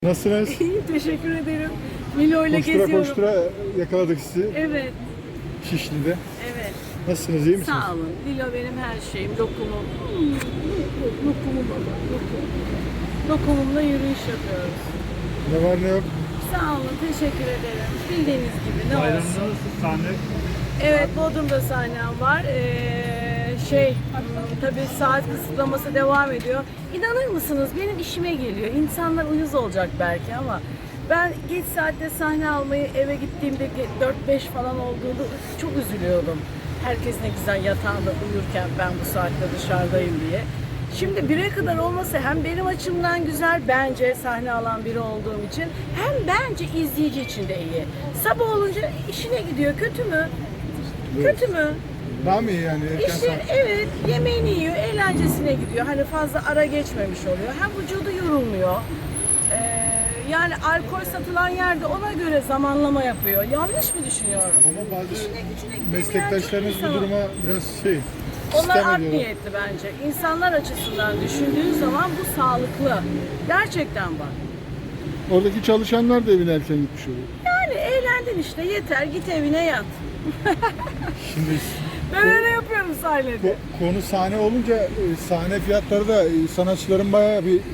Nasılsınız? İyi, teşekkür ederim. Milo ile Koştura geziyorum. koştura yakaladık sizi Evet, Şişli'de. evet. Nasılsınız, iyi misiniz? Sağ olun. Milo benim her şeyim. Lokumum. Lokumum baba. Lokum. Lokumumla yürüyüş yapıyoruz. Ne var ne yok? Sağ olun, teşekkür ederim. Bildiğiniz gibi ne Bayramda olsun. nasıl sahne? Evet, Bodrum'da sahnem var. Tabii saat kısıtlaması devam ediyor. İnanır mısınız benim işime geliyor. İnsanlar uyuz olacak belki ama ben geç saatte sahne almayı eve gittiğimde 4-5 falan olduğunda çok üzülüyordum. Herkes ne güzel yatağında uyurken ben bu saatte dışarıdayım diye. Şimdi 1'e kadar olması hem benim açımdan güzel bence sahne alan biri olduğum için hem bence izleyici için de iyi. Sabah olunca işine gidiyor. Kötü mü? Kötü mü? Daha mı iyi yani? Erken İşte saat? evet, yemeğini yiyor, eğlencesine gidiyor. Hani fazla ara geçmemiş oluyor. Hem vücudu yorulmuyor. Yani alkol satılan yerde ona göre zamanlama yapıyor. Yanlış mı düşünüyorum? Ama bazı İşine gücüne gitmeyen meslektaşlarınız çok bu insan var. duruma biraz Onlar sistem art ediyorlar. niyetli bence. İnsanlar açısından düşündüğün zaman bu sağlıklı. Gerçekten bak. Oradaki çalışanlar da evine erken gitmiş oluyor. Yani eğlendin işte, yeter git evine yat. Şimdi Ben öyle yapıyorum sahnede. konu sahne olunca sahne fiyatları da sanatçıların bayağı bir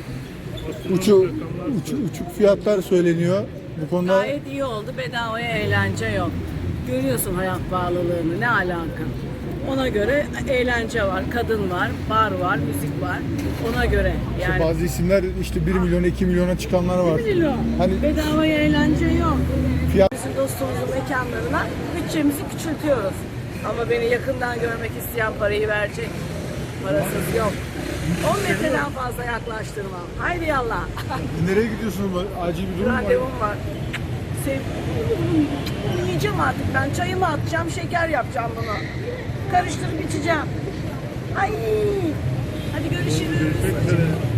uçuk fiyatlar söyleniyor. Bu konuda Gayet iyi oldu. Bedavaya eğlence yok. Görüyorsun hayat pahalılığını. Ne alaka? Ona göre eğlence var, kadın var, bar var, müzik var. Ona göre yani. bazı isimler işte 1 milyon 2 milyona çıkanlar var. Milyon. Hani Bedavaya eğlence yok. fiyat Bizim dostumuzun mekanlarına bütçemizi küçültüyoruz. Ama beni yakından görmek isteyen parayı verecek. Parasız yok. 10 metreden fazla yaklaştırmam. Haydi yallah. nereye gidiyorsunuz? Acil bir durum var. Randevum var. Yiyeceğim artık ben. Çayımı atacağım, şeker yapacağım bunu. Karıştırıp içeceğim. Ay. Hadi görüşürüz. Teşekkür ederim.